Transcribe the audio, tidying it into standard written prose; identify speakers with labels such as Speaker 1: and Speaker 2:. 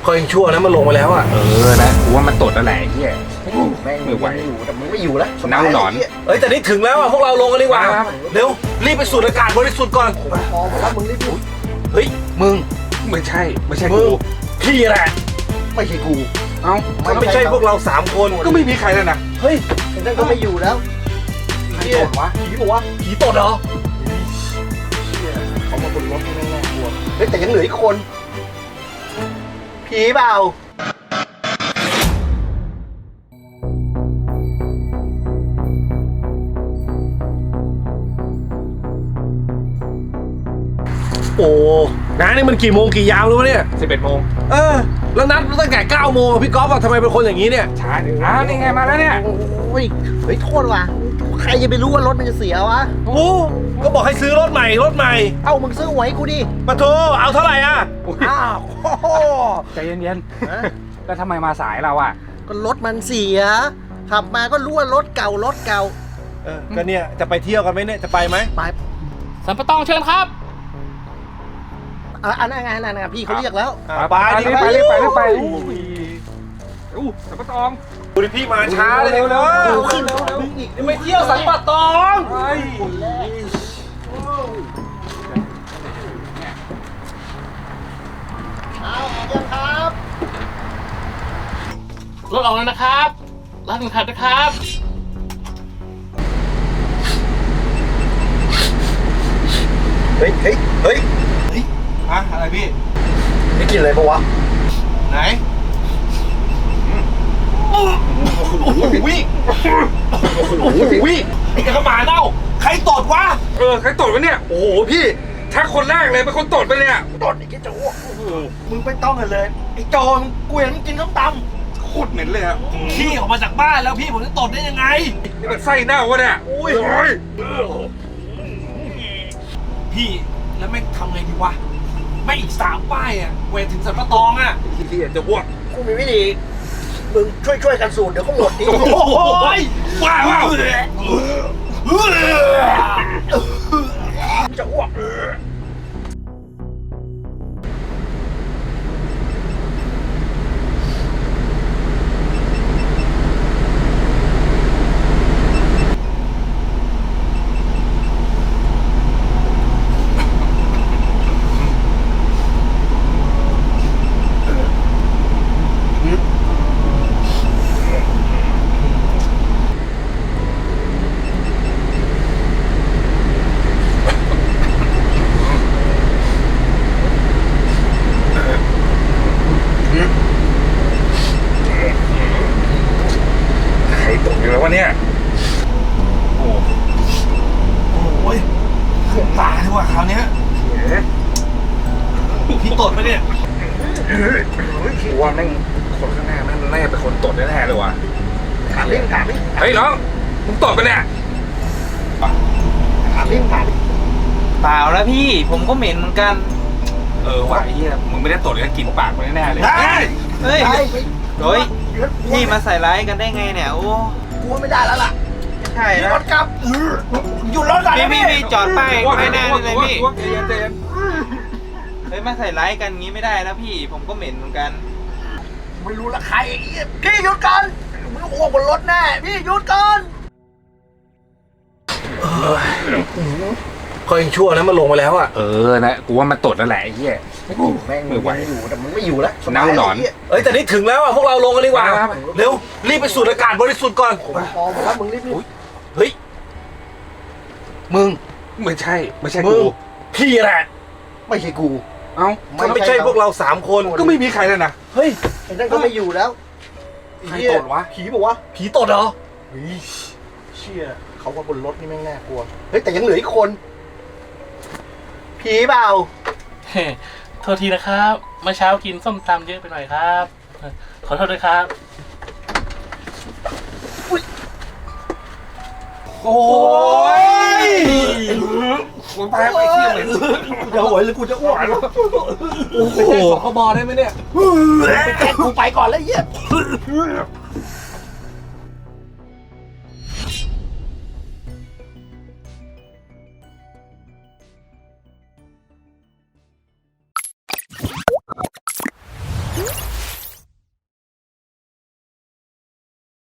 Speaker 1: ก็ยังชั่วนะมันลงไปแล้วอ่ะ
Speaker 2: นะกูว่ามันตดอะไรเฮีย
Speaker 3: แม่งไม่ไหวอยู่แต่มึงไม่อยู่แล้ว
Speaker 2: เน่าหนอน
Speaker 1: แต่นี่ถึงแล้วอ่ะพวกเราลงกันดีกว่าเร็วรีบไปสูดอากาศบริสุทธิ์ก่อน
Speaker 3: พอแล้วมึงรีบ
Speaker 1: เฮ้ยมึง
Speaker 2: ไม่ใช่กู
Speaker 1: พี่แหละ
Speaker 3: ไม่ใช่กู
Speaker 2: เอ้า
Speaker 1: มันไม่ใช่พวกเรา3คน
Speaker 2: ก็ไม่มีใครแล้วนะ
Speaker 1: เฮ้ย
Speaker 3: นั่นก็ไม่อยู่แล้วผีบอกว่า
Speaker 1: ผีตดเหรอ
Speaker 3: เขามาบนรถแน่ๆกลัวเฮ้ยแต่ยังเหลืออีกคนผีเปล่า
Speaker 1: โอ้น้านี่มันกี่โมงกี่ยามแล้ววะเนี่ย
Speaker 2: 11 โมง
Speaker 1: แล้วนัดตั้งแต่9 โมงพี่ก๊อฟทำไมเป็นคนอย่างนี้เนี่ย
Speaker 2: ช้านี่ไงมาแล้วเนี่ย
Speaker 3: โอ้ยเฮ้ยโทษว่ะใครจะไปรู้ว่ารถมันจะเสียวะ
Speaker 1: ก็บอกให้ซื้อรถใหม่
Speaker 3: เอ้ามึงซื้อหวยกูดิ
Speaker 1: มาโทเอาเท่าไหร่อ่ะ
Speaker 3: อ้าว
Speaker 2: ใจเย็นๆแล้วทำไมมาสายเราอ่ะ
Speaker 3: ก็รถมันเสียขับมาก็รู้ว่ารถเก่า
Speaker 1: ก็เนี่ยจะไปเที่ยวกันไหมเนี่ยจะไปไหม
Speaker 3: ไป
Speaker 4: สัมปะตองเชิญครับ
Speaker 3: อันนั้นไงพี่เขาเรียกแล้ว
Speaker 2: ไปสัมปะตอง
Speaker 1: ดูดิพี่มาช้าเลยเร็ว
Speaker 3: ขึ้น
Speaker 1: ไม่เที่ยวสัมปะตอง
Speaker 3: เอายังครับ
Speaker 4: รถออกแล้วนะครับร้านถึงขัดนะครับ
Speaker 3: เฮ้ย
Speaker 1: อะไรพี่
Speaker 3: ได้กินอะไรปะวะ
Speaker 1: ไหนจะกระหมาเน่าใครตดวะ
Speaker 2: ใครตดวะเนี่ย
Speaker 1: โอ้โหพี่
Speaker 2: ถ้าคนแรกเลยเป็นคนตดไปเลย
Speaker 3: ตดไอ้แกโจ้มึงไม่ต้องเลยไอ้โจมึงกูเห็นมึงกินส้มตำ
Speaker 2: โคตรเหม็นเลยอ่ะ
Speaker 1: ขี้ออกมาจากบ้านแล้วพี่ผมจะตดได้ยังไง
Speaker 2: นี่มันไส้เน่าวะเนี่ย
Speaker 1: พี่แล้วแม่งทำไงดีวะไม่อีก3 ป้ายอ่ะเวทถึงสันปะตองอ่ะ
Speaker 2: ที่จะอ้วก
Speaker 3: กูมีวิธีมึงช่วยกันสูดเดี๋ยวก็หมดดิ
Speaker 1: โอ้ยว้าว
Speaker 3: จะอ้วก
Speaker 2: เนี่ย
Speaker 1: โอ้ยขึ้นตาดีกว่าคราวนี้พี่ตดไหมเนี่ย
Speaker 2: ว่าแม่งคนข้างหน้าแม่งน่าจะเป็นคนตดแน่ๆเลยว่ะ
Speaker 3: ถามดิ
Speaker 2: เฮ้ยน้องมึงตดไปเนี่ย
Speaker 3: ถามดิ
Speaker 5: เปล่าแล้วพี่ผมก็เหม็นเหมือนกัน
Speaker 2: ว่ะไอ้เหี้ยมึงไม่ได้ตดเลยกินปากไปแน่ๆเลย
Speaker 5: เฮ้ยพี่มาใส่ร้ายกันได้ไงเนี่ยโอ้
Speaker 3: กูไม่ได้แล้วล่ะ
Speaker 5: ใช่แล้ว
Speaker 3: รถกลับหยุดรถก่อน
Speaker 5: พี่จอดป้ายไม่แน่เลยพี่
Speaker 2: เจน
Speaker 5: เฮ้ยมาใส่ร้ายกันงี้ไม่ได้แล้วพี่ผมก็เหม็นเหมือนกัน
Speaker 3: ไม่รู้ละใครพี่หยุดก่อนมึงอ้วกบนรถแน่พี่หยุดก่อน
Speaker 1: ก็ยังชั่วนะมันลงไปแล้วอ่ะ
Speaker 2: นะกูว่ามันตดแล้วแหละไอ้เหี้ย
Speaker 3: แม่งไม่ไหวอยู่แต่มึงไม่อยู่แล้ว
Speaker 2: เน่าหนอน
Speaker 1: แต่นี่ถึงแล้วอ่ะพวกเราลงกันดีกว่าเร็วรีบไปสูดอากาศบริสุทธิ์ก่อน
Speaker 3: พอแล้วมึงรีบ
Speaker 1: เฮ้ยมึง
Speaker 2: ไม่ใช่
Speaker 1: กูพี่แหละ
Speaker 3: ไม่ใช่กู
Speaker 2: เอ้า
Speaker 1: มันไม่ใช่พวกเรา3 คน
Speaker 2: ก็ไม่มีใครแล้วนะ
Speaker 1: เฮ้ย
Speaker 3: ไอ้นั่นก็ไม่อยู่แล้ว
Speaker 2: ใครตดวะ
Speaker 3: ผีบอกว่า
Speaker 1: ผีตดเหรอ
Speaker 3: เชี่ยเขาว่าบนรถนี่แม่งน่ากลัวเฮ้ยแต่ยังเหลืออีกคนผีเปล่า
Speaker 4: โทษทีนะครับเมื่อเช้ากินส้มตำเยอะไปหน่อยครับขอโทษด้วยครับ
Speaker 1: โอ้ย
Speaker 2: กูตายไปเที่ยวเลย
Speaker 3: กูจะหวยหรือกูจะอ้วก
Speaker 1: โอ้โหขอบอได้ไหมเนี่ย
Speaker 3: ไปแจ้งกูไปก่อนแล้วเหี้ย